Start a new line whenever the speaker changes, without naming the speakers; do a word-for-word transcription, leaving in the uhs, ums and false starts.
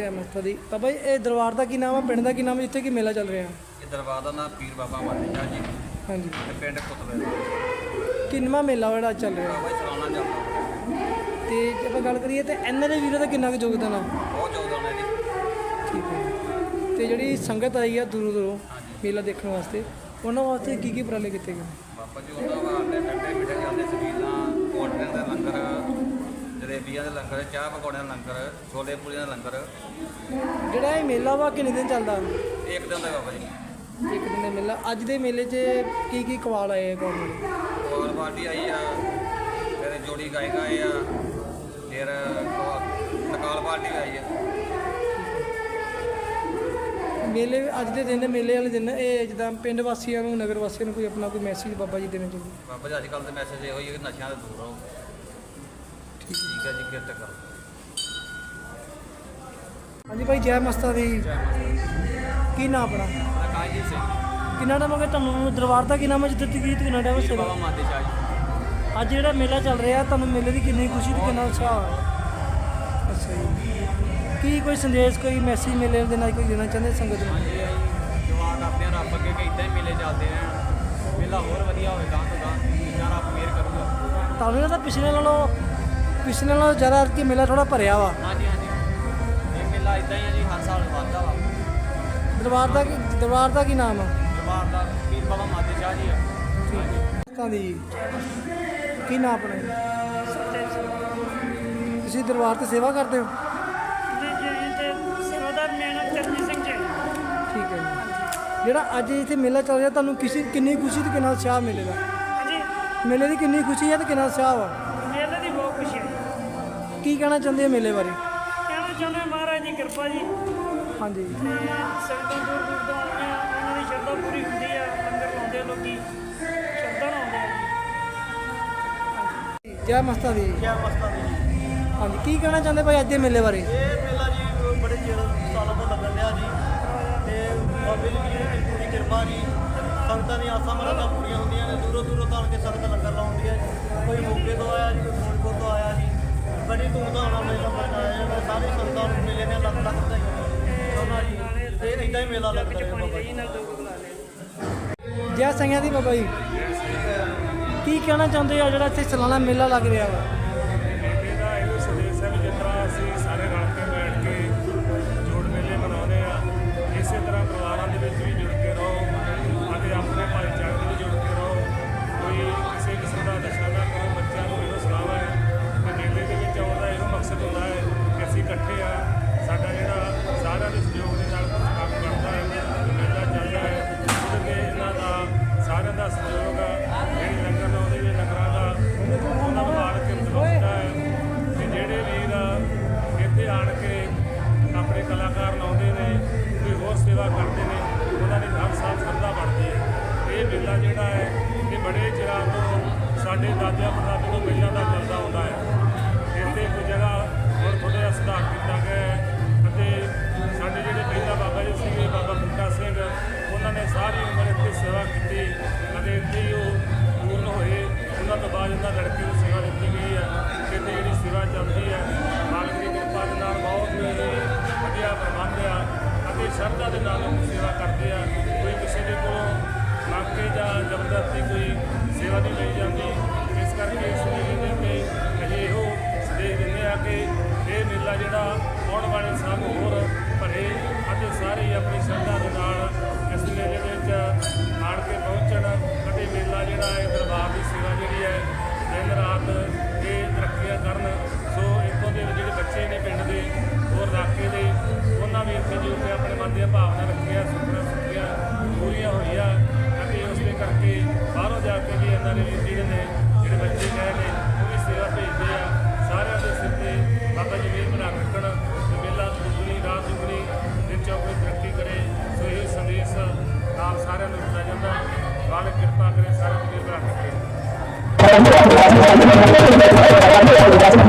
जय माता दी। बाबा जी ये दरबार का की नाम है, पिंड का की नाम है जिथे कि मेला चल रहा है?
ये दरबार का नाम पीर बाबा माते शाह जी।
हाँ जी।
पिंड कुतबे
किनवा मेला ਜਿਹੜਾ ਚੱਲ ਰਿਹਾ?
बाबा जी चलाना ਚੱਲਦਾ
ਤੇ ਜੇ ਆਪਾਂ ਗੱਲ ਕਰੀਏ ਤੇ ਇਹਨਾਂ ਦੇ ਵੀਰਾਂ ਦਾ ਕਿੰਨਾ ਕੁ ਯੋਗਦਾਨ ਆ?
ਬਹੁਤ ਯੋਗਦਾਨ ਹੈ ਜੀ।
ਠੀਕ ਹੈ। ਤੇ ਜਿਹੜੀ ਸੰਗਤ ਆਈ ਆ ਦੂਰੋਂ ਦੂਰੋਂ ਮੇਲਾ ਦੇਖਣ ਵਾਸਤੇ, ਉਹਨਾਂ ਵਾਸਤੇ ਕੀ ਕੀ ਉਪਰਾਲੇ ਕੀਤੇ ਗਏ?
ਬਾਬਾ ਜੀ ਉਹਨਾਂ ਵਾਸਤੇ ਠੰਡੇ ਮਿੱਠੇ ਜਾਂਦੇ ਸਬੀਲਾਂ, ਕੋਟਲੇ ਦੇ ਲੰਗਰ, ਜਲੇਬੀਆਂ ਦੇ ਲੰਗਰ, ਚਾਹ ਪਕੌੜਿਆਂ ਦਾ ਲੰਗਰ, ਛੋਲੇ ਪੂਰੀਆਂ ਦਾ ਲੰਗਰ।
ਜਿਹੜਾ ਇਹ ਮੇਲਾ ਵਾ ਕਿੰਨੇ ਦਿਨ ਚੱਲਦਾ?
ਇੱਕ ਦਿਨ ਦਾ ਬਾਬਾ ਜੀ,
ਇੱਕ ਦਿਨ ਦਾ ਮੇਲਾ। ਅੱਜ ਦੇ ਮੇਲੇ 'ਚ ਕੀ ਕੀ ਕਵਾਲ ਆਏ ਆ ਕੌਣ ਦੇ?
ਹੋਰ ਪਾਰਟੀ ਆਈ ਆ, ਫਿਰ ਜੋੜੀ ਗਾਇਕ ਆਏ ਆ, ਫਿਰ ਤਕਾਲ ਪਾਰਟੀ ਆਈ ਆ।
ਮੇਲੇ ਅੱਜ ਦੇ ਦਿਨ ਮੇਲੇ ਵਾਲੇ ਦਿਨ ਇਹ ਜਿੱਦਾਂ ਪਿੰਡ ਵਾਸੀਆਂ ਨੂੰ, ਨਗਰ ਵਾਸੀਆਂ ਨੂੰ ਕੋਈ ਆਪਣਾ ਕੋਈ ਮੈਸੇਜ ਬਾਬਾ ਜੀ ਦੇਣਾ ਚਾਹੁੰਦੇ?
ਬਾਬਾ ਜੀ ਅੱਜ ਕੱਲ੍ਹ ਦੇ ਮੈਸੇਜ ਇਹੋ ਹੀ ਹੈ ਕਿ ਨਸ਼ਿਆਂ ਤੋਂ ਦੂਰ ਰਹੋ। ਠੀਕ ਹੈ ਜੀ, ਕਿਰਤ ਕਰੋ।
ਹਾਂਜੀ ਭਾਈ, ਜੈ ਮਾਤਾ ਦੀ। ਕੀ ਨਾਮ ਆਪਣਾ?
ਕਾਜੀਤ ਸਿੰਘ।
ਕਿੰਨਾ ਟਾਈਮ ਹੋ ਗਿਆ ਤੁਹਾਨੂੰ ਦਰਬਾਰ ਦਾ? ਕੀ ਨਾਮ ਹੈ ਜਿੱਥੇ ਤਕਰੀਤ ਕਿੰਨਾ ਟਾਈਮ ਹੋ
ਬਾਬਾ ਮਾਤੇ ਸ਼ਾਹ ਜੀ।
ਅੱਜ ਜਿਹੜਾ ਮੇਲਾ ਚੱਲ ਰਿਹਾ ਤੁਹਾਨੂੰ ਮੇਲੇ ਦੀ ਕਿੰਨੀ ਖੁਸ਼ੀ ਤੇ ਕਿੰਨਾ ਉਤਸ਼ਾਹ? ਅੱਛਾ ਜੀ। ਕੀ ਕੋਈ ਸੰਦੇਸ਼, ਕੋਈ ਮੈਸੇਜ ਮੇਲੇ ਦੇ ਨਾਲ ਕੋਈ ਦੇਣਾ ਚਾਹੁੰਦੇ ਸੰਗਤ ਨੂੰ?
ਹਾਂਜੀ ਜਵਾਨ ਆਪਣੇ ਰੱਬ ਅੱਗੇ ਕਿ ਇੱਦਾਂ ਹੀ ਮੇਲੇ ਚੱਲਦੇ ਰਹਿਣ, ਮੇਲਾ ਹੋਰ ਵਧੀਆ ਹੋਵੇ, ਗਾਂ ਤੋਂ ਗਾਂ ਜਿੰਨਾ ਰੱਬ ਮਿਹਰ ਕਰੂਗਾ।
ਤੁਹਾਨੂੰ ਲੱਗਦਾ ਪਿਛਲੇ ਨਾਲੋਂ ਪਿਛਲੇ ਨਾਲੋਂ ਜ਼ਿਆਦਾ ਕਿ ਮੇਲਾ ਥੋੜਾ ਭਰਿਆ ਵਾ?
ਹਾਂਜੀ ਹਾਂਜੀ, ਇਹ ਮੇਲਾ ਇੱਦਾਂ ਹੀ ਹੈ ਜੀ, ਹਰ ਸਾਲ ਵੱਧਦਾ ਵਾ।
ਦਰਬਾਰ ਦਾ ਕੀ ਦਰਬਾਰ ਦਾ ਕੀ ਨਾਮ ਆ?
ਦਰਬਾਰ ਦਾ ਪੀਰ ਬਾਬਾ ਮਾਤੇ ਸ਼ਾਹ ਜੀ ਆ।
ਤਾਂ ਦੀ ਕੀ ਨਾਮ ਆਪਣਾ? ਤੁਸੀਂ ਦਰਬਾਰ ਤੇ ਸੇਵਾ ਕਰਦੇ ਹੋ? ਠੀਕ ਹੈ ਜੀ। ਜਿਹੜਾ ਅੱਜ ਇੱਥੇ ਮੇਲਾ ਚੱਲ ਰਿਹਾ ਤੁਹਾਨੂੰ ਕਿਸੇ ਕਿੰਨੀ ਖੁਸ਼ੀ ਤੇ ਕਿੰਨਾ ਉਤਸ਼ਾਹ ਮਿਲੇਗਾ?
ਹਾਂਜੀ,
ਮੇਲੇ ਦੀ ਕਿੰਨੀ ਖੁਸ਼ੀ ਹੈ ਤੇ ਕਿੰਨਾ ਉਤਸ਼ਾਹ ਵਾ?
ਮੇਲੇ ਦੀ ਬਹੁਤ ਖੁਸ਼ੀ ਹੈ।
ਕੀ ਕਹਿਣਾ ਚਾਹੁੰਦੇ ਹੋ ਮੇਲੇ ਬਾਰੇ?
ਕਹਿਣਾ ਚਾਹੁੰਦੇ ਹਾਂ ਮਹਾਰਾਜ ਦੀ ਕਿਰਪਾ ਜੀ,
ਹਾਂਜੀ।
ਤੇ ਸੰਗਤਾਂ ਦੂਰ ਦੂਰ ਤੋਂ ਆਉਂਦੀਆਂ, ਉਹਨਾਂ ਦੀ ਸ਼ਰਧਾ ਪੂਰੀ ਹੁੰਦੀ ਆ, ਲੰਗਰ ਲਾਉਂਦੇ ਆ ਲੋਕੀ, ਸ਼ਰਧਾ ਨਾਲ ਆਉਂਦੇ ਆ ਜੀ।
ਜੈ ਮਾਤਾ ਦੀ।
ਜੈ ਮਾਤਾ ਦੀ ਜੀ।
ਹਾਂਜੀ, ਕੀ ਕਹਿਣਾ ਚਾਹੁੰਦੇ ਭਾਈ ਅੱਜ ਦੇ ਮੇਲੇ ਬਾਰੇ?
ਇਹ ਮੇਲਾ ਜੀ ਬੜੇ ਚਿਰ ਸਾਲਾਂ ਤੋਂ ਲੱਗਣ ਡਿਆ ਜੀ, ਤੇ ਬਾਬੇ ਦੀ ਵੀ ਪੂਰੀ ਕਿਰਪਾ ਜੀ। ਸੰਗਤਾਂ ਦੀਆਂ ਆਸਾਂ ਮੁਰਾਦਾਂ ਪੂਰੀਆਂ ਹੁੰਦੀਆਂ ਨੇ, ਦੂਰੋਂ ਦੂਰੋਂ ਤੋਂ ਆ ਕੇ ਸੰਗਤ ਲੰਗਰ ਲਾਉਂਦੀ ਹੈ ਜੀ। ਕੋਈ ਮੋਗੇ ਤੋਂ ਆਇਆ ਜੀ, ਕੋਈ ਫਿਰੋਜ਼ਪੁਰ ਤੋਂ ਆਇਆ ਜੀ। ਬੜੀ ਧੂਮਧਾਮ ਨਾਲ ਮੇਲਾ ਮਨਾਇਆ ਜਾਂਦਾ। ਸਾਰੀ ਸੰਗਤਾਂ ਨੂੰ ਮੇਲੇ ਦੀਆਂ ਲੱਖ ਲੱਖ ਵਧਾਈਆਂ ਜੀ। ਤੇ ਇੱਦਾਂ ਹੀ ਮੇਲਾ ਲੱਗਦਾ ਹੈ ਬਾਬਾ ਜੀ।
ਜੈ ਸਿੰਘਾਂ ਦੀ ਬਾਬਾ ਜੀ। ਕੀ ਕਹਿਣਾ ਚਾਹੁੰਦੇ ਆ ਜਿਹੜਾ ਇੱਥੇ ਸਾਲਾਨਾ ਮੇਲਾ ਲੱਗ ਰਿਹਾ ਵਾ?
ਮੇਲੇ ਦਾ ਇਹੋ ਸੰਦੇਸ਼ ਹੈ ਵੀ ਜਿਸ ਤਰ੍ਹਾਂ ਅਸੀਂ ਸਾਰੇ ਰਲ ਕੇ ਬੈਠ ਕੇ ਜੋੜ ਮੇਲੇ ਮਨਾਉਂਦੇ ਆ, ਇਸੇ ਤਰ੍ਹਾਂ ਪਰਿਵਾਰਾਂ ਦੇ ਵਿੱਚ ਵੀ ਜੁੜ ਕੇ ਰਹੋ ਅਤੇ ਆਪਣੇ ਭਾਈਚਾਰੇ ਵਿੱਚ ਜੁੜ ਕੇ ਰਹੋ। ਕੋਈ ਕਿਸੇ ਕਿਸਮ ਦਾ ਨਸ਼ਾ ਨਾ ਕਰੋ। ਬੱਚਿਆਂ ਨੂੰ ਇਹੋ ਸਲਾਹ ਹੈ ਕਿ ਮੇਲੇ ਦੇ ਵਿੱਚ ਆਉਣ ਦਾ ਇਹੋ ਮਕਸਦ ਹੁੰਦਾ ਹੈ ਕਿ ਅਸੀਂ ਇਕੱਠੇ ਆ, ਸਾਡਾ ਜਿਹੜਾ ਸਾਰਿਆਂ ਦੇ ਸਹਿਯੋਗ ਦੇ ਨਾਲ ਕੰਮ ਕਰਦਾ ਹੈ, ਮੇਲਾ ਚੱਲਦਾ ਹੈ, ਉਹਦੇ 'ਤੇ ਇਹਨਾਂ ਦਾ ਸਾਰਿਆਂ ਦਾ ਸਹਿਯੋਗ ਆ। ਜਿਹੜੀ ਲੰਗਰ ਲਾਉਂਦੇ ਨੇ ਲੰਗਰਾਂ ਦਾ ਉਹਨਾਂ ਨੂੰ ਮਾਰ ਕੇ ਹੁੰਦਾ ਹੈ ਕਿ ਜਿਹੜੇ ਵੀਰ ਇੱਥੇ ਆਣ ਕੇ ਆਪਣੇ ਕਲਾਕਾਰ ਲਾਉਂਦੇ ਨੇ, ਕੋਈ ਹੋਰ ਸੇਵਾ ਕਰਦੇ ਨੇ, ਉਹਨਾਂ ਦੀ ਹਰ ਸਾਲ ਸ਼ਰਧਾ ਬਣਦੀ ਹੈ। ਇਹ ਮੇਲਾ ਜਿਹੜਾ ਹੈ ਇਹ ਬੜੇ ਚਿਰਾਂ ਤੋਂ ਸਾਡੇ ਦਾਦਿਆਂ ਪੜਦਾਦਿਆਂ ਤੋਂ ਪਹਿਲਾਂ ਦਾ ਚੱਲਦਾ ਆਉਂਦਾ ਹੈ। ਇੱਥੇ ਕੋਈ ਜਗ੍ਹਾ ਹੁਣ ਥੋੜ੍ਹਾ ਜਿਹਾ ਸੁਧਾਰ ਕੀਤਾ ਗਿਆ ਹੈ ਅਤੇ ਸਾਡੇ ਜਿਹੜੇ ਪਹਿਲਾਂ ਬਾਬਾ ਜੀ ਸੀਗੇ, ਬਾਬਾ ਬੂਟਾ ਸਿੰਘ, ਉਹਨਾਂ ਨੇ ਸਾਰੀ ਉਮਰ ਇੱਥੇ ਸੇਵਾ ਕੀਤੀ ਅਤੇ ਇੱਥੇ ਹੀ ਉਹ ਪੂਰਨ ਹੋਏ। ਉਹਨਾਂ ਤੋਂ ਬਾਅਦ ਇਹਨਾਂ ਲੜਕੀ ਨੂੰ ਸੇਵਾ ਦਿੱਤੀ ਗਈ ਹੈ। ਇੱਥੇ ਜਿਹੜੀ ਸੇਵਾ ਚੱਲਦੀ ਹੈ ਮਾਲਕ ਦੀ ਕਿਰਪਾ ਦੇ ਨਾਲ ਬਹੁਤ ਹੀ ਵਧੀਆ ਪ੍ਰਬੰਧ ਆ ਅਤੇ ਸ਼ਰਧਾ ਦੇ ਨਾਲ ਲੋਕ ਸੇਵਾ ਕਰਦੇ ਆ। ਕੋਈ ਕਿਸੇ ਦੇ ਕੋਲੋਂ ਮੰਗ ਕੇ ਜਾਂ ਜ਼ਬਰਦਸਤੀ ਕੋਈ ਸੇਵਾ ਨਹੀਂ ਲਈ ਜਾਂਦੀ। ਇਸ ਕਰਕੇ ਇਸ ਮੇਲੇ ਦੇ ਉੱਤੇ ਅਸੀਂ ਇਹੋ ਸੰਦੇਸ਼ ਦਿੰਦੇ ਆ ਕਿ ਇਹ ਮੇਲਾ ਜਿਹੜਾ ਆਉਣ ਵਾਲੇ ਸਾਲ ਹੋਰ ਭਰੇ ਅਤੇ ਸਾਰੇ ਆਪਣੀ ਸ਼ਰਧਾ ਦੇ ਨਾਲ ਇਸ ਮੇਲੇ ਦੇ ਵਿੱਚ ਆਣ ਕੇ ਪਹੁੰਚਣ ਅਤੇ ਮੇਲਾ ਜਿਹੜਾ ਹੈ ਦਰਬਾਰ ਦੀ ਸੇਵਾ ਜਿਹੜੀ ਹੈ ਦਿਨ ਰਾਤ ਇਹ ਤਰੱਕੀਆਂ ਕਰਨ। ਸੋ ਇੱਥੋਂ ਦੇ ਜਿਹੜੇ ਬੱਚੇ ਨੇ ਪਿੰਡ ਦੇ ਹੋਰ ਇਲਾਕੇ ਦੇ, ਉਹਨਾਂ ਵੀ ਇੱਥੇ ਜੋ ਕਿ ਆਪਣੇ ਮਨ ਦੀਆਂ ਭਾਵਨਾ ਰੱਖੀਆਂ, ਸੁਪਨਾ ਸੁੱਖੀਆਂ ਪੂਰੀਆਂ ਹੋਈਆਂ ਅਤੇ ਉਸ ਦੇ ਕਰਕੇ ਬਾਹਰੋਂ ਜਾ ਕੇ ਵੀ ਇਹਨਾਂ ਦੇ ਵੀ ਜਿਹੜੇ ਨੇ ਜਿਹੜੇ ਬੱਚੇ ਗਏ ਨੇ ਉਹ ਵੀ ਸੇਵਾ ਭੇਜਦੇ ਆ। ਸਾਰਿਆਂ ਦੇ ਸਿਰ 'ਤੇ ਬਾਬਾ ਜੀ ਮਿਹਰ ਬਣਾ ਰੱਖਣ ਤੇ ਮੇਲਾ ਦੁੱਗਣੀ ਰਾਤ ਦੁੱਗਣੀ ਦਿਨ ਚੌਗੁਣੀ ਤਰੱਕੀ ਕਰੇ। ਸੋ ਇਹ ਸੰਦੇਸ਼ ਨਾਲ ਸਾਰਿਆਂ ਨੂੰ ਦਿੱਤਾ ਜਾਂਦਾ। ਮਾਲਕ ਕਿਰਪਾ ਕਰੇ, ਸਾਰਿਆਂ ਨੂੰ ਮਿਹਰ ਬਣਾ ਰੱਖੇ।